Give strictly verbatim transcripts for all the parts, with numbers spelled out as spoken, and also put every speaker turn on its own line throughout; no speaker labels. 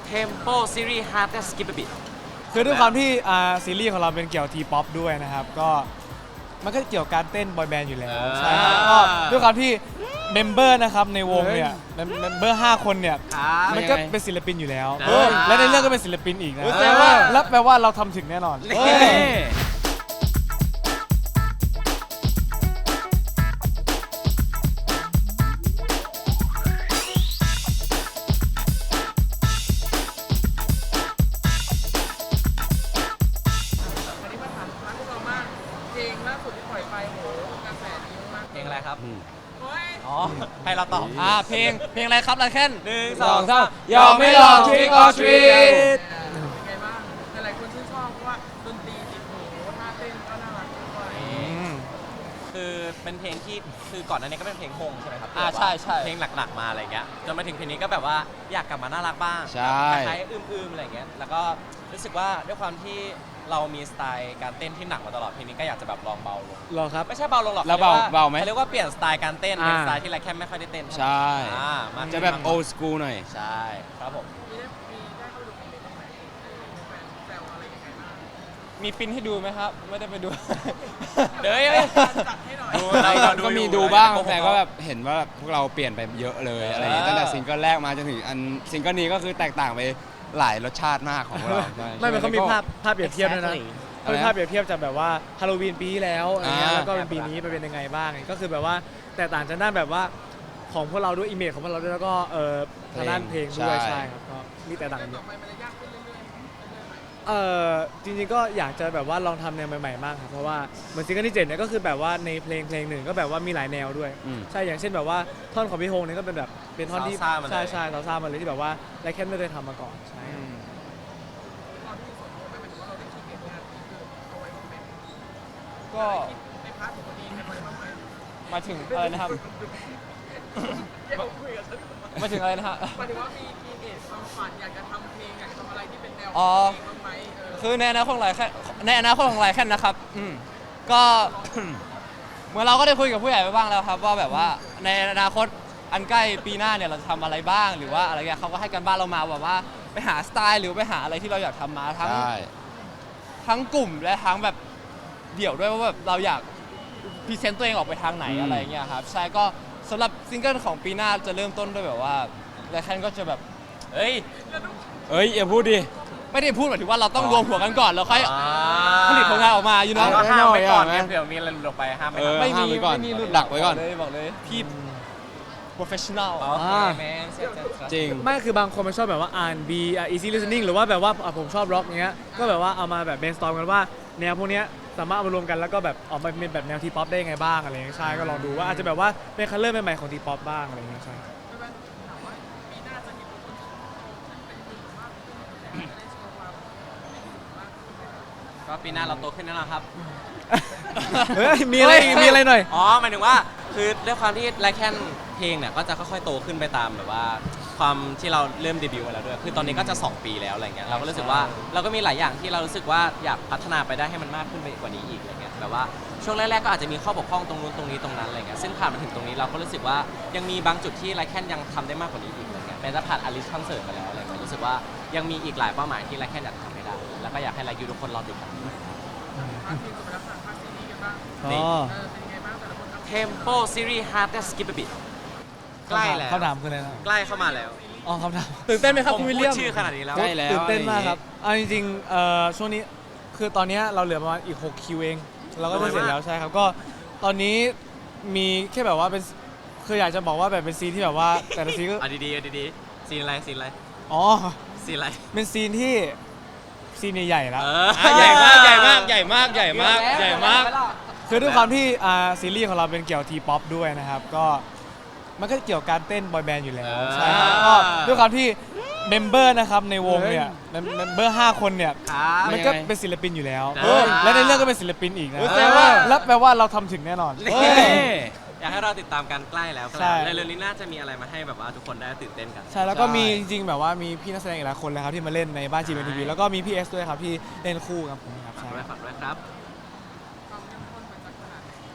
Tempo Series Hard and Skip a Bit
คือด้วยความที่อ่าซีรีส์ของเราเป็นเกี่ยวทีป๊อปด้วยนะครับก็มันก็เกี่ยวกับการเต้นบอยแบนด์อยู่แล้วใช่ครับก็ด้วยความที่เมมเบอร์นะครับในวงเนี่ยเมมเบอร์ห้าคนเนี่ยมันก็เป็นศิลปินอยู่แล้วและในเรื่องก็เป็นศิลปินอีกนะแล้วแปลว่าเราทำถึงแน่นอน
เพลงอะไรครับอ๋อ
ให้เราตอบ
อ่าเพลงเพลงอะไรครับลาแคนหนึ่งสองสาม
ยอมไม่ลอง Trick or Treat
เป็นไงบ้างหลายคนชื่นชอบเพราะว่าดนตรีติดหูท่าเต้นก็น่ารักด้วย
คือเป็นเพลงที่คือก่อนหน้านี้ก็เป็นเพลงฮงใช่ไหมครับ
อ่าใช่ใช่
เพลงหลักๆมาอะไรเงี้ยจนมาถึงเพลงนี้ก็แบบว่าอยากกลับมาน่ารักบ้าง
ใช่
คล้ายๆอื้มๆอะไรเงี้ยแล้วก็รู้สึกว่าด้วยความที่เรามีสไตล์การเต้นที่หนักมาตลอดเพลงนี้ก็อยากจะแบบลองเบาลง
รอครับ
ไม่ใช่เบาลงหรอก
แล้วเบา
ขรียก
เบาไหม
เขาเรียกว่าเปลี่ยนสไตล์การเต้นเป็น
อ่า
สไตล์ที่ไรแค่ไม่ค่อยได้เต้น
ใช่
อ่ามา
จะแบบ old school หน่อย
ใช่ครับผม
มีได้มีได้เข้าไปดูคอมเมนต์บ้างไหมแฟนแซวอะไรยังไงบ้าง
มีปินให้ดูไหมครับ ไม่ได้ไปดู
เดี๋ยวยัง
จัดให้หน่อย
ดู
เรา
เรา
ก็มีดูบ้างแต่ก็แบบเห็นว่าแบบพวกเราเปลี่ยนไปเยอะเลยอะไรอย่างเงี้ยตั้งแต่ซิงเกิลแรกมาจนถึงอันซิงเกิลนี้ก็คือแตกต่างไปหลายรสชาติมากของเราใช่
ไม่มันเขามีภาพภาพเปรียบเทียบด้วยนะ
Exactly
เขามีภาพเปรียบเทียบจากแบบว่าฮาโลวีนปีที่แล้วอะไรเงี้ย
อ่า
แล้วก็เป็นปีนี้ไปเป็นยังไงบ้างก็คือแบบว่าแตกต่างจากด้านแบบว่าของพวกเราด้วยอิมเมจของพวกเราด้วยแล้วก็เออทางด้านเพลงด้วยใช่ครับก็มีแตกต่างกันเย
ต่อ
อะ
ไปมันจะยากขึ้นเรื่อยๆเรื่อยๆไหม
เออจริงๆก็อยากจะแบบว่าลองทำแนวใหม่ๆมากครับเพราะว่าเหมือนซิงเกิลที่เจ็ดเนี่ยก็คือแบบว่าในเพลงเพลงหนึ่งก็แบบว่ามีหลายแนวด้วย
อืม
ใช่อย่างเช่นแบบว่าท่อนของพี่โฮงเนี่ยก็เป็นแบบเป็นท่อนที่
ซาๆมาเลย
ใช่ใช่ซาซ่ามาเลยที่แบบว่าไรแค่ไม่เคยทำมาก่อนใช่ครับ
ตอนที่ส่วนตัวไม่หมายถึงว่าเราได้คิดเองงานนี้คือเอาไว้คอมเมนต์
ก็
ในพาร์ทของตัวเองในไว้บ้างไหม
มาถึงอะไรนะครับ
เดี๋ยวคุยกับฉัน
มาถึงอะไรนะฮะ
หมายถึงว่ามีคีเอทความฝันอยากจะทำเพลงอยากจะทำอะไรที่เป็นแนว
อ๋อ
เพลงบ้างไหมเออ
คือในอนาคตของไรแค่ในอนาคตของไรแค่นะครับอืมก็ เหมื่อนเราก็ได้คุยกับผู้ใหญ่ไปบ้างแล้วครับว่าแบบว่าในอนาคตอันใกล้ปีหน้าเนี่ยเราจะทำอะไรบ้างหรือว่าอะไรเงี้ยเขาก็ให้กันบ้านเรามาแบบว่าไปหาสไตล์หรือไปหาอะไรที่เราอยากทำมาทั้งทั้งกลุ่มและทั้งแบบเดี่ยวด้วยว่าแบบเราอยากพรีเซนต์ตัวเองออกไปทางไหน
อืม
อะไรเงี้ยครับใช่ก็สำหรับซิงเกิลของปีหน้าจะเริ่มต้นด้วยแบบว่าไรแค่ก็จะแบบ
เฮ้ย
เอ้ยอย่าพูดดิ
ไม่ได้พูดหมายถึงว่าเราต้องรวมหัวกันก่อนแล้วค่อย
อ่า
ผลิตผลงานออกมาอยู่
เรา
เนาะ
ก็ห้ามไว้ก่อน
หน่
ไง
อยอ่ะ
เผื่อมีอะไรหลุดออกไปห้ามไว้
เออ
ก่อน
ไม่
ห้า
มี
มไว้ก่อน
ไม่มีรุ่น
ดักไว้ก่อน
เลยบอกเลยพี่ professional
โอเค
อ่า
แมนเสร็จเสร็จเสร็จ
จริง
ไม่คือบางคนมันชอบแบบว่า อาร์ แอนด์ บี อ่ะ easy listening หรือว่าแบบว่าอ่ะผมชอบร็อกเงี้ยก็แบบว่าเอามาแบบ brainstorm กันว่าแนวพวกเนี้ยสามารถเอามารวมกันแล้วก็แบบออกมาเป็นแบบแนวทีป๊อปได้ยังไงบ้างอะไรเงี้ยใช่ก็ลองดูว่าอาจจะแบบว่าเป็นคัลเลอร์ใหม่ๆของทีป๊อปบ้างอะไรเงี้ยใช่
ไม่ว่าถามว่าปีหน้าจะเห็นทุกคนเป็นจริงมากขึ้นจะได้โชว์ความเป็นจริงมากขึ้นไหมครับ
ก็ปีหน้าเราโตขึ้นแน่นอนครับ
เฮ้ยมีอะไรมีอะไรหน่อย
อ๋อหมายถึงว่าคือด้วยความที่ไลแคนเพลงเนี่ยก็จะค่อยๆโตขึ้นไปตามแบบว่า ความที่เราเริ่มเดบิวต์มาแล้วด้วยคือตอนนี้ก็จะสองปีแล้วอะไรเงี้ยเราก็รู้สึกว่าเราก็มีหลายอย่างที่เรารู้สึกว่าอยากพัฒนาไปได้ให้มันมากขึ้นไปกว่านี้อีกอะไรเงี้ยแบบว่าช่วงแรกๆก็อาจจะมีข้อบกพร่องตรงนู้นตรงนี้ตรงนั้นอะไรเงี้ยซึ่งผ่านมาถึงตรงนี้เราก็รู้สึกว่ายังมีบางจุดที่ไลแคนยังทำได้มากกว่านี้อีกอะไรเงี้ยแม้จะผ่านอลิสคอนเสิร์ตมาแล้วอะไรเงี้ยรู้สึกว่ายังมีอีกหลายเป้าหมายที่ไลแคนอยากทำให้ได้แล้วก็อยากให้ไลยูทุกคนรอติดตาม
พาร์ทเพลงจบไปแล้วค่ะพาร์ทซีรีส์กันบ้าง
อ๋อ
เออเป็นยังไงบ้างแต่ละคนทำ
Tempo Series Hard and Skip a Bit ใกล้แล้ว
คำถามคืออะไรนะ
ใกล้เข้ามาแล้ว
อ๋อคำถาม
ตื่นเต้นไหมครับ
ผม
คุณวิล
พู
เลี
ด
ยม
ชื่อขนาดนี้แล้ว
ใกล้แล้ว
ตื่นเต้นมากครับเอาจริงๆเอ่อช่วงนี้คือตอนเนี้ยเราเหลือประมาณอีกหกคิวเองเราก็จะเสร็จแล้วใช่ครับก็ตอนนี้มีแค่แบบว่าเป็นคืออยากจะบอกว่าแบบเป็นซีนที่แบบว่าแต่ละซีนก็
อ่ะดีๆอ่ะดีๆซีนอะไรซีนอะไร
อ๋อ
ซีนอะไร
เป็นซีนที่ซีนใหญ่ๆแล้ว
เออ
อ่ะใหญ่มากใหญ่มากใหญ่มากใหญ่มากใหญ่มาก
คือด้วยความที่อ่าซีรีส์ของเราเป็นเกี่ยวทีป๊อปด้วยนะครับก็มันก็เกี่ยวกับการเต้นบอยแบนด์อยู่แล้วใช่ครับก็ด้วยความที่เมมเบอร์นะครับในวงเนี่ยเมมเบอร์ห้าคนเนี่ย
ครับ
มันก็เป็นศิลปินอยู่แล้ว
เออ
และในเรื่องก็เป็นศิลปินอีกนะ
แสดงว่า
แล้วแปลว่าเราทำถึงแน่นอน
เฮ้ย อยากให้เราติดตามกันใกล้แล้ว
ใช่
ในเร็วๆนี้น่าจะมีอะไรมาให้แบบว่าทุกคนได้ตื่นเต้นกัน
ใช่แล้วก็มีจริงๆแบบว่ามีพี่นักแสดงอีกหลายคนเลยครับที่มาเล่นในบ้านจีเอ็นทีวีแล้วก็มีพี่เอสด้วยครับที่เล่นคู่กับผมครับ
ฝาก
ใช่
ด้วยฝากด้วยครับ
ความเข้มข้นมันจะขนาดไหน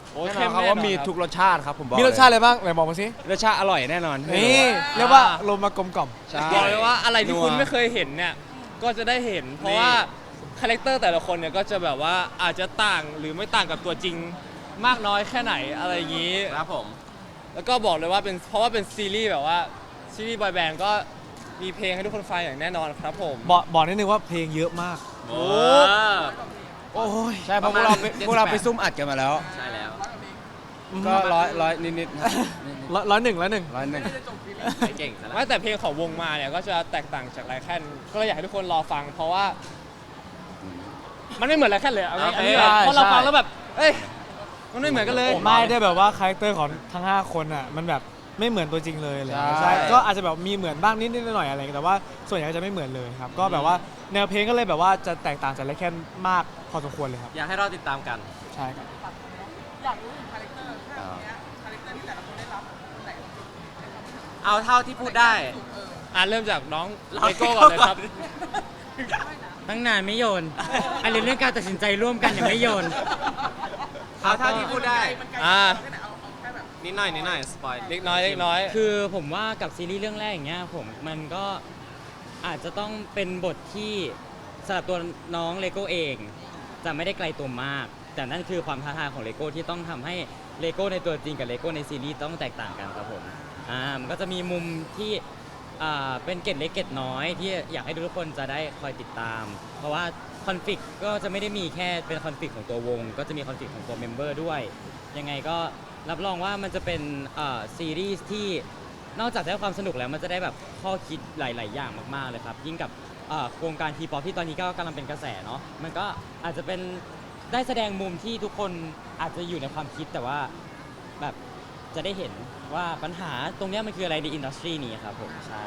โอ้ย
แน่น
เข้
อน
ม
ครับ
แน่นอน
ว่ามี
ครับ
ทุกรสชาติครับผมบอก
มีรสชาติอะไรบ้างไหนบอกมาสิ
รสชาติอร่อยแน่นอน
นี่เรียกว่าลมมากลมกล่อม
ใช่
บอกเลยว่าอะไรที่คุณ
นัว
ไม่เคยเห็นเนี่ยก็จะได้เห็น เพราะว่าคาแรคเตอร์แต่ละคนเนี่ยก็จะแบบว่าอาจจะต่างหรือไม่ต่างกับตัวจริงมากน้อยแค่ไหนอะไรอย่างนี้
ครับผม
แล้วก็บอกเลยว่าเป็นเพราะว่าเป็นซีรีส์แบบว่าซีรีส์บอยแบนด์ก็มีเพลงให้ทุกคนฟังอย่างแน่นอนครับผม
บอกบอกนิดนึงว่าเพลงเยอะมาก
โอ้
โอ้ย
ใช่เพราะพวกเราไปพวกเราไปซุ่มอัดกันมาแล้ว
ใช่แล้ว
ก็ร้อยร้อยนิดๆครับ
ร้อยร้อยหนึ่งร้อยหนึ่ง
ร้อยหนึ่ง
ไม่เก่งซะแล้ว
ไม่แต่เพลงของวงมาเนี่ยก็จะแตกต่างจากไลแคนก็เลยอยากให้ทุกคนรอฟัง เพราะว่า มันไม่เหมือนไลแคนเลยเอางี้อันนี้แบบเพราะเราฟังแล้วแบบเอ้ยมันไม่เหมือนกันเลย
ไม่ได้แบบว่าคาแรคเตอร์ของทั้งห้าคนอ่ะมันแบบไม่เหมือนตัวจริงเลยอะไรอย่างเลย
ใช่
ใช่ก็อาจจะแบบมีเหมือนบ้างนิดนิดหน่อยๆอะไรอย่างเงี้ยแต่ว่าส่วนใหญ่ก็จะไม่เหมือนเลยครับก็แบบว่าแนวเพลงก็เลยแบบว่าจะแตกต่างจากไลแคนมากพอสมควรเลยครับ
อยากให้เราติดตามกัน
ใช่ครับ
อยากรู้ถึงคาแรคเตอร์ภาคเนี้ยคาแรคเตอร์ที่แต่ละคนได้รับคนไหน
เอาเท่าที่พูดได้
อ่ะเริ่มจากน้อง
เรา
เลโก้ก่อนเลยครับ
ตั้งนานไม่โยนอะไรเรื่องการตัดสินใจร่วมกันยังไม่โยน
เอาเท่าที่พูดได้
มันไกล
อ่า
แค่ไหนเอาเอาแค่แบบ
นิดหน่อยนิดหน่อยสปอย
เล็กน้อยเล็กน้อย
คือผมว่ากับซีรีส์เรื่องแรกอย่างเงี้ยผมมันก็อาจจะต้องเป็นบทที่สำหรับตัวน้องเลโก้เอง จะไม่ได้ไกลตัวมาก แต่นั่นคือความท้าทายของเลโก้ที่ต้องทำให้เลโก้ในตัวจริงกับเลโก้ในซีรีส์ต้องแตกต่างกันครับผมอ่ามันก็จะมีมุมที่อ่าเป็นเกร็ดเล็กเกร็ดน้อยที่อยากให้ทุกคนจะได้คอยติดตาม เพราะว่าคอนฟ lict ก็จะไม่ได้มีแค่เป็นคอนฟ lict ของตัววง ก็จะมีคอนฟ lict ของตัวเมมเบอร์ด้วย ยังไงก็รับรองว่ามันจะเป็นเอ่อซีรีส์ที่นอกจากได้ความสนุกแล้วมันจะได้แบบข้อคิดหลาย ๆ อย่างมาก ๆ เลยครับ ยิ่งกับเอ่อโครงการทีป๊อปที่ตอนนี้ก็กำลังเป็นกระแสเนาะมันก็อาจจะเป็นได้แสดงมุมที่ทุกคนอาจจะอยู่ในความคิดแต่ว่าแบบจะได้เห็นว่าปัญหาตรงเนี้ยมันคืออะไรในอินดัสทรีนี้ครับผมใช่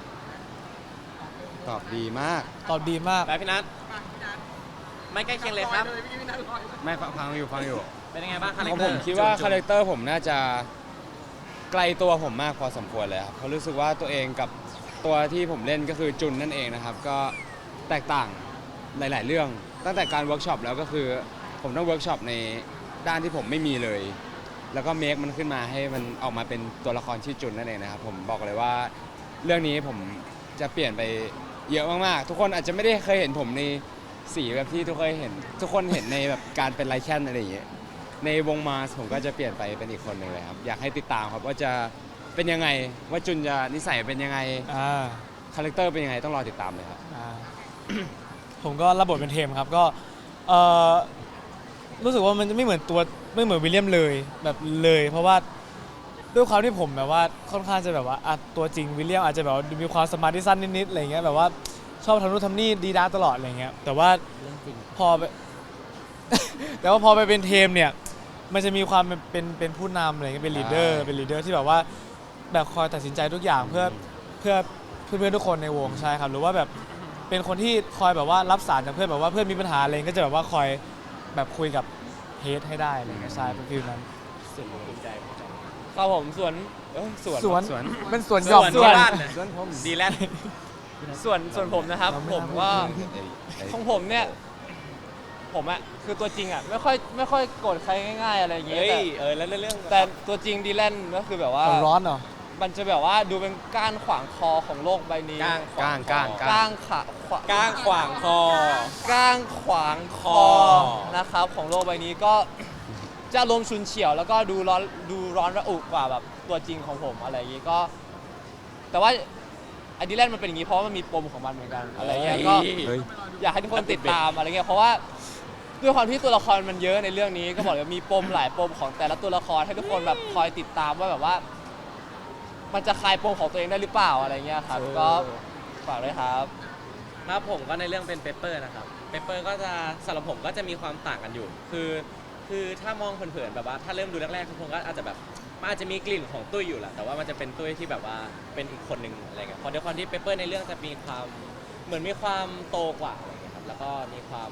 ตอบดีมาก
ตอบดีมาก
ไปพี่นัทไม่ใกล้เคียงเลยครับ
เลยพี่นัทลอยเลย
ไม่ฟังฟังอยู่ฟังอยู่
เป็นยังไงบ้างคาแร
ข
ค
อง
เต
ผ
อ
ม
ร์
คิดว่า
จุ๊บๆ
คาแรคเตอร์ผมน่าจะไกลตัวผมมากพอสมควรเลยครับเพราะรู้สึกว่าตัวเองกับตัวที่ผมเล่นก็คือจุนนั่นเองนะครับ ก็แตกต่างหลาย ๆ เรื่อง ตั้งแต่การเวิร์กช็อปแล้วก็คือผมต้องเวิร์กช็อปในด้านที่ผมไม่มีเลย แล้วก็เมคมันขึ้นมาให้มันออกมาเป็นตัวละครชื่อจุนนั่นเองนะครับผมบอกเลยว่าเรื่องนี้ผมจะเปลี่ยนไปเยอะมาก ๆ ทุกคนอาจจะไม่ได้เคยเห็นผมในสีแบบที่ทุกเคยเห็น ทุกคนเห็นในแบบการเป็นไลแคนอะไรอย่างเงี้ย ในวงมาสผมก็จะเปลี่ยนไปเป็นอีกคนหนึ่งเลยครับ อยากให้ติดตามครับว่าจะเป็นยังไงว่าจุนจะนิสัยเป็นยังไง
อ่า
คาแรคเตอร์เป็นยังไงต้องรอติดตามเลยครับ
อ่า ผมก็รับบทเป็นเทมครับก็เอ่อรู้สึกว่ามันจะไม่เหมือนตัวไม่เหมือนวิลเลียมเลยแบบเลย เพราะว่าด้วยความที่ผมแบบว่าค่อนข้างจะแบบว่าอ่ะตัวจริงวิลเลียมอาจจะแบบว่ามีความสมาธิสั้นนิดๆอะไรเงี้ยแบบว่าชอบทำนู่นทำนี่ดีด้าตลอดอะไรเงี้ยแต่ว่า
เรื่องจริง
พอไป แต่ว่าพอไปเป็นเทมเนี่ยมันจะมีความเป็นเป็นเป็นผู้นำอะไรเงี้ยเป็นลีดเดอร์
ใช่
เป็นลีดเดอร์ที่แบบว่าแบบคอยตัดสินใจทุกอย่างเพื่อเพื่อเพื่อนๆทุกคนในวงใช่ครับหรือว่าแบบเป็นคนที่คอยแบบว่ารับสารจากเพื่อนแบบว่าเพื่อนมีปัญหาอะไรก็จะแบบว่าคอยแบบคุยกับเฮดให้ได้อะไรเงี้ยใช่เป็นฟิลนั้น
ครับผมส่วนเอ้ยส่วน
สวน
สวน
เป็นสวนห
ส่
ย่อ
ว
ม
น
ส่วน
บ้านน่ะ
ส่วนผม
ดีแลนด์
ส่วนส่วนผมนะครับ
เราไม่
ผม
ทำ
ก็
เอ้ยเอ้ย
ของผมเนี่ยผมอะคือตัวจริงอะไม่ค่อยไม่ค่อยโกรธใครง่าย ๆ อะไรอย่างเงี้ย
เฮ้
แต่
ยเออแล้วเรื่อง
แต่ตัวจริงดีแลนก็คือแบบว่า
เอาร้อนเหรอ
มันจะแบบว่าดูเป็นก้านขวางคอของโลกใบนี้
ก้าง
ก้างก้าง
ก้างขาขวา
ก้างขวางคอ
ก้างขวางคอ
คอ
นะครับของโลกใบนี้ก็จะลมณ์ชุนเฉียว แล้วก็ดูร้อนดูร้อนระอุกว่าแบบตัวจริงของผมอะไรอย่างงี้ก็ แต่ว่าไอดีแลนด์มันเป็นอย่างงี้เพราะว่ามันมีปมของมันเหมือนกันอะไรเงี้ยก็
เฮ้ย
อยากให้ทุกคนติดตามอะไรเงี้ยเพราะว่าด้วยความที่ตัวละครมันเยอะในเรื่องนี้ก็บอกเลยว่ามีปมหลายปมของแต่ละตัวละครให้ทุกคนแบบคอยติดตามว่าแบบว่า มันจะคลายปมของตัวเองได้หรือเปล่าอะไรเงี้ยครับก็ฝากด้วยครับ
ครับผมก็ในเรื่องเป็นเปเปอร์นะครับเปเปอร์ก็จะสำหรับผมก็จะมีความต่างกันอยู่ คือคือถ้ามองเผินๆแบบว่าถ้าเริ่มดูแรกๆทุกคนก็อาจจะแบบมันอาจจะมีกลิ่นของตุ้ยอยู่แหละแต่ว่ามันจะเป็นตุ้ยที่แบบว่าเป็นอีกคนหนึ่งอะไรเงี้ยเพราะด้วยความที่เปเปอร์ในเรื่องจะมีความเหมือนมีความโตกว่าอะไรเงี้ยครับแล้วก็มีความ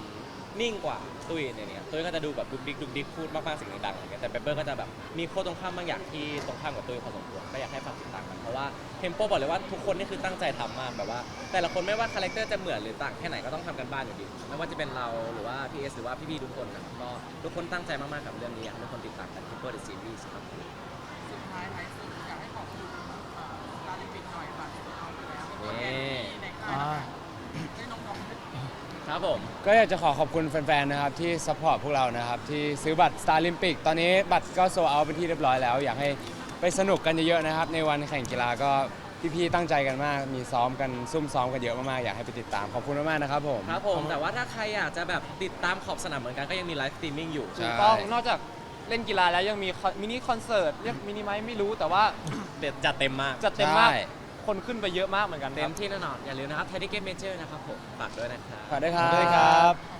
นิ่งกว่าตุ้ยเนี่ยเนี่ยตุ้ยก็จะดูแบบดุกดิกดุกดิกพูดมากๆเสิ่งดังๆอะไรเงี้ยแต่เปเปอร์ก็จะแบบมีโค้ดตรงข้ามบางอย่างที่ตรงข้ามกับตุ้ยพอสมควรก็อยากให้ฝากติดตามกันเพราะว่าเทมโปบอกเลยว่าทุกคนนี่คือตั้งใจทำมากแบบว่า แต่ละคนไม่ว่าคาแรคเตอร์จะเหมือนหรือต่างแค่ไหนก็ต้องทำกันบ้านอยู่ดีไม่ว่าจะเป็นเราหรือว่าพีเอสหรือว่าพี่ๆทุกคนนะครับก็ทุกคนตั้งใจมากๆกับเรื่องนี้อยากให้ทุกคนติดตามกันที่เปิดซีรีส์ครับ
สุดท้ายท้ายสุดอยากให้ขอบคุณสตาร์ลิมปิกหน่อยบัตรเอาไปแล้วเป็นตัวแทนที่ในค่ายนะคะให้น้องๆ
ครับผม
ก็อยากจะขอขอบคุณแฟนๆ นะครับที่ซัพพอร์ตพวกเรานะครับที่ซื้อบัตร Star Olympic ตอนนี้บัตรก็โซลด์เอาท์เป็นที่เรียบร้อยแล้ว อยากให้ไปสนุกกันเยอะๆนะครับในวันแข่งกีฬาก็พี่ๆตั้งใจกันมาก มีซ้อมกันซุ่มซ้อมกันเยอะมากๆ อยากให้ไปติดตามขอบคุณมากๆนะครับผม
ครับผมแต่ว่าถ้าใครอยากจะแบบติดตามขอบสนามเหมือนกันก็ยังมีไลฟ์สตรีมมิ่งอยู่
ใช่
ถูกต้องนอกจากเล่นกีฬาแล้วยังมีคอนมินิคอนเสิร์ตเรียกมินิไหมไม่รู้แต่ว่า
เด็ดจัดเต็มมาก
จัดเต็มมาก
ใช่
คนขึ้นไปเยอะมากเหมือนกันค
เต็
รับ
มที่แน่นอนอย่าลืมนะครับไทยทิเก็ตเมเจอร์นะครับผมฝากด้วยนะครับ
ฝากด้วยครั
สวัสดีครับ
บ